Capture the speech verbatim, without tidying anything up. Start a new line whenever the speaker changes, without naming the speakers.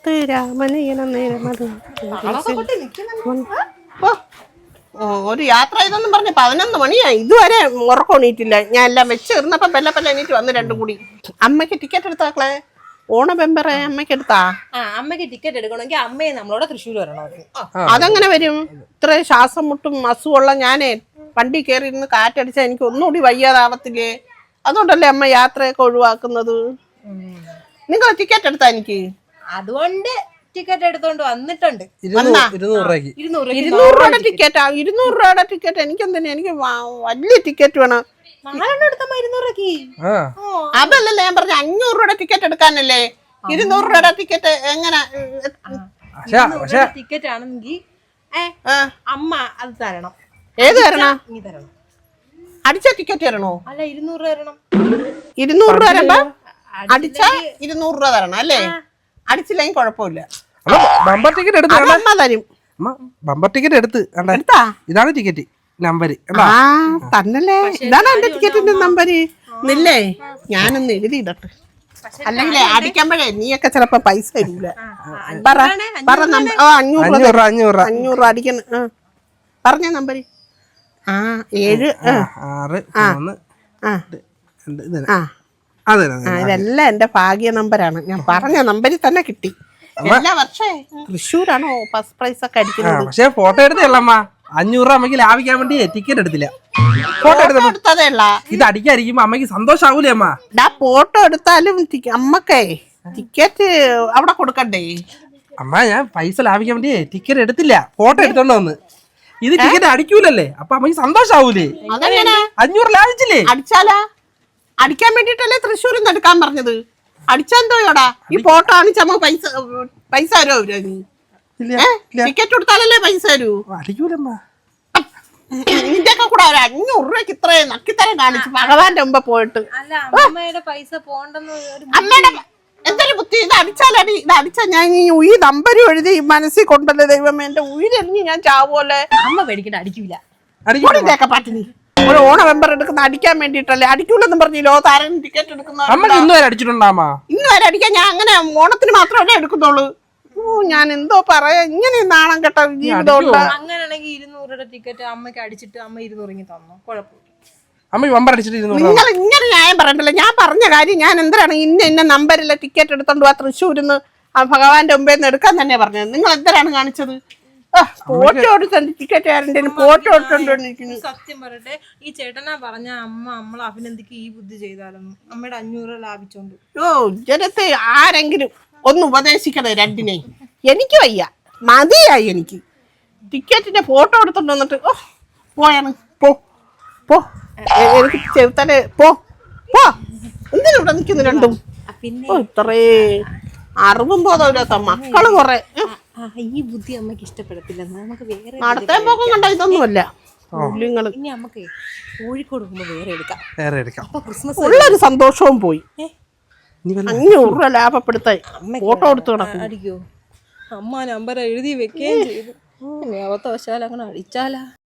ഒരു യാത്ര ഇതെന്നും പറഞ്ഞ് പതിനൊന്ന് മണിയായി ഇതുവരെ ഉറക്കണീറ്റില്ല. ഞാൻ എല്ലാം വെച്ച് ഇരുന്നപ്പോ പെല്ല പെല്ല എണീറ്റ് വന്ന് രണ്ടും കൂടി. അമ്മയ്ക്ക് ടിക്കറ്റ് എടുത്താക്കളെ ഓണ ബെമ്പറെ അമ്മയ്ക്ക് എടുത്താ?
അമ്മയ്ക്ക് ടിക്കറ്റ് എടുക്കണമെങ്കിൽ അമ്മയെ നമ്മളോട് തൃശ്ശൂർ വരണോ?
അതെങ്ങനെ വരും? ഇത്ര ശ്വാസം മുട്ടും അസുഖമുള്ള ഞാനേ വണ്ടി കയറി ഇരുന്ന് കാറ്റടിച്ചാൽ എനിക്ക് ഒന്നുകൂടി വയ്യാതാവത്തില്ലേ? അതുകൊണ്ടല്ലേ അമ്മ യാത്രയൊക്കെ ഒഴിവാക്കുന്നത്. നിങ്ങൾ ടിക്കറ്റ് എടുത്താ? എനിക്ക്
അതുകൊണ്ട് ടിക്കറ്റ് എടുത്തോണ്ട് വന്നിട്ടുണ്ട്.
ഇരുന്നൂറ് രൂപയുടെ ടിക്കറ്റാ? ഇരുന്നൂറ് രൂപയുടെ ടിക്കറ്റ് എനിക്ക് എന്തിനാ? എനിക്ക് വലിയ ടിക്കറ്റ് വേണം. അതല്ലല്ലേ ഞാൻ പറഞ്ഞ അഞ്ഞൂറ് രൂപയുടെ ടിക്കറ്റ് എടുക്കാനല്ലേ. ഇരുന്നൂറ് രൂപയുടെ ടിക്കറ്റ് എങ്ങനെ?
ടിക്കറ്റ് ആണെങ്കിൽ അമ്മ അത് തരണം.
ഏത് തരണം? അടിച്ച ടിക്കറ്റ് തരണോ?
അല്ല, ഇരുന്നൂറ് രൂപ തരണം.
ഇരുന്നൂറ് രൂപ തരണ്ട, അടിച്ച ഇരുന്നൂറ് രൂപ തരണം അല്ലേ? അടിച്ചില്ലെങ്കിൽ കുഴപ്പമില്ല.
ബമ്പർ ടിക്കറ്റ് എടുത്ത്
തരും.
ബമ്പർ ടിക്കറ്റ് എടുത്ത് ഇതാണ് ടിക്കറ്റ് നമ്പര്
തന്നല്ലേ? ഇതാണ് എന്റെ ടിക്കറ്റിന്റെ നമ്പര്. ഇല്ലേ ഞാനൊന്ന് എഴുതിയിടട്ടെ, അല്ലെങ്കിൽ അടിക്കുമ്പോഴേ നീയൊക്കെ ചിലപ്പോ പൈസ തരൂല. പറ പറ നമ്പർ. അഞ്ഞൂറ് അഞ്ഞൂറ് അഞ്ഞൂറ് അടിക്കണം. പറഞ്ഞ നമ്പര് ആ ഏഴ്
ആറ്
ഇതെല്ലാം എന്റെ ഭാഗ്യ നമ്പരാണ്. ഞാൻ പറഞ്ഞ നമ്പരിൽ തന്നെ കിട്ടി. എല്ലാ വർഷേ തൃശ്ശൂരാണോ ഫസ്റ്റ് പ്രൈസ് ഒക്കെ അടിക്കുന്നത്.
പക്ഷെ ഫോട്ടോ എടുത്തല്ലമ്മ അഞ്ഞൂറ് രൂപ അമ്മയ്ക്ക് ലാഭിക്കാൻ വേണ്ടി ടിക്കറ്റ് എടുത്തില്ല.
ഫോട്ടോ എടുത്തതേ ഉള്ള.
ഇത് അടിക്കാതിരിക്കുമ്പോ അമ്മയ്ക്ക് സന്തോഷാവൂലേ അമ്മ?
ഫോട്ടോ എടുത്താലും അമ്മക്കേ ടിക്കറ്റ് അവിടെ കൊടുക്കണ്ടേ?
അമ്മ ഞാൻ പൈസ ലാഭിക്കാൻ വേണ്ടി ടിക്കറ്റ് എടുത്തില്ല, ഫോട്ടോ എടുത്തോണ്ട് വന്ന്. ഇത് ടിക്കറ്റ് അടിക്കൂലല്ലേ, അപ്പൊ അമ്മയ്ക്ക് സന്തോഷാവൂലേ? അഞ്ഞൂറ് ലാഭിച്ചില്ലേ?
അടിച്ചാലാ? അടിക്കാൻ വേണ്ടിട്ടല്ലേ തൃശ്ശൂരിൽ നിന്ന് എടുക്കാൻ പറഞ്ഞത്. അടിച്ചെന്തോടാ ഈ ഫോട്ടോ കാണിച്ചമ്മ പൈസ പൈസ തരോ? നീ ടിക്കറ്റ് കൊടുത്താലല്ലേ പൈസ തരൂ.
അടിക്കൂലമ്മ.
നിന്റെ ഒക്കെ കൂടെ ഒരു അഞ്ഞൂറ് രൂപയ്ക്ക് ഇത്രയും നക്കിത്തരം കാണിച്ചു ഭഗവാന്റെ മുമ്പ് പോയിട്ട്.
അമ്മയുടെ പൈസ പോണ്ടെന്ന്
അമ്മയുടെ എന്തൊരു ബുദ്ധി. ഇത് അടിച്ചാലടി, ഇത് അടിച്ചാൽ ഞാൻ ഈ ഉയി നമ്പരും എഴുതി മനസ്സിൽ കൊണ്ടല്ലേ ദൈവമേ. എന്റെ ഉയിരെറിഞ്ഞ് ഞാൻ ചാവൂല്ലേ?
അമ്മ പേടിക്കണ്ട, അടിക്കൂല.
അടിക്കൂലൊക്കെ പാട്ടിനി ഒരു ഓണ മെമ്പർ എടുക്കുന്ന അടിക്കാൻ വേണ്ടിട്ടല്ലേ. അടിക്കൂലെന്നും പറഞ്ഞു ലോകത്താരും ടിക്കറ്റ് എടുക്കുന്ന
ഇന്ന് വരെ അടിച്ചിട്ടുണ്ടാ?
ഇന്ന് വരെ അടിക്കാൻ ഞാൻ അങ്ങനെ ഓണത്തിന് മാത്രമല്ലേ എടുക്കുന്നുള്ളൂ. ഓ ഞാൻ എന്തോ പറയാ, ഇങ്ങനെ നാണം കെട്ട ജീവിതം.
അങ്ങനെയാണെങ്കിൽ ഇരുന്നൂറ് രൂപ ടിക്കറ്റ് അമ്മയ്ക്ക് അടിച്ചിട്ട് അമ്മ ഇരുന്നൂറ് തന്നോ കുഴപ്പമില്ല.
നിങ്ങൾ ഇങ്ങനെ ന്യായം പറയണ്ടല്ലോ. ഞാൻ പറഞ്ഞ കാര്യം ഞാൻ എന്തിനാണ് ഇന്ന ഇന്ന നമ്പറിലെ ടിക്കറ്റ് എടുത്തോണ്ട് പോവാ തൃശ്ശൂരിന്ന് ഭഗവാന്റെ മുമ്പേ നിന്ന് എടുക്കാൻ തന്നെ പറഞ്ഞത്. നിങ്ങൾ എന്തിനാണ് കാണിച്ചത്? ഫോട്ടോ എടുത്തോണ്ട് ടിക്കറ്റ് ആരുടെ ഫോട്ടോ എടുത്തോണ്ടിരിക്കുന്നു.
സത്യം പറയട്ടെ, ഈ ചേട്ടനാ പറഞ്ഞ അമ്മ നമ്മളെ അഭിനന്ദിക്ക് ഈ ബുദ്ധി ചെയ്താലൊന്നും അമ്മയുടെ അഞ്ഞൂറ് ലാഭിച്ചോണ്ട്.
ഓ ജനത്തെ ആരെങ്കിലും ഒന്ന് ഉപദേശിക്കണേ രണ്ടിനെ. എനിക്ക് വയ്യ, മതിയായി എനിക്ക്. ടിക്കറ്റിന്റെ ഫോട്ടോ എടുത്തോണ്ട് വന്നിട്ട് ഓ പോയാണ് പോ പോ എനിക്ക് ചെറുത്തനെ പോ പോ. എന്തിനാ ഇവിടെ നിൽക്കുന്നു രണ്ടും? ഇത്രേ അറിവും ബോധമില്ലാത്ത മക്കള് കൊറേ.
ഈ ബുദ്ധി അമ്മക്ക് ഇഷ്ടപ്പെടത്തില്ല. നമുക്ക് വേറെ
നടത്തേ പോക്കം കണ്ട ഇതൊന്നുമല്ല.
ഇനി നമുക്ക് കോഴിക്കോട് പോകുമ്പോ വേറെ എടുക്കാം.
വേറെ എടുക്കാം.
ക്രിസ്മസ്
ഉള്ളൊരു സന്തോഷവും പോയി. അഞ്ഞൂറ് രൂപ ലാഭപ്പെടുത്തായി ഫോട്ടോ എടുത്തു കിടക്കും.
അടിക്കോ? അമ്മ നമ്പർ എഴുതി വെക്കുകയും ചെയ്തു. അവത്തവശാൽ അങ്ങനെ അടിച്ചാലാ?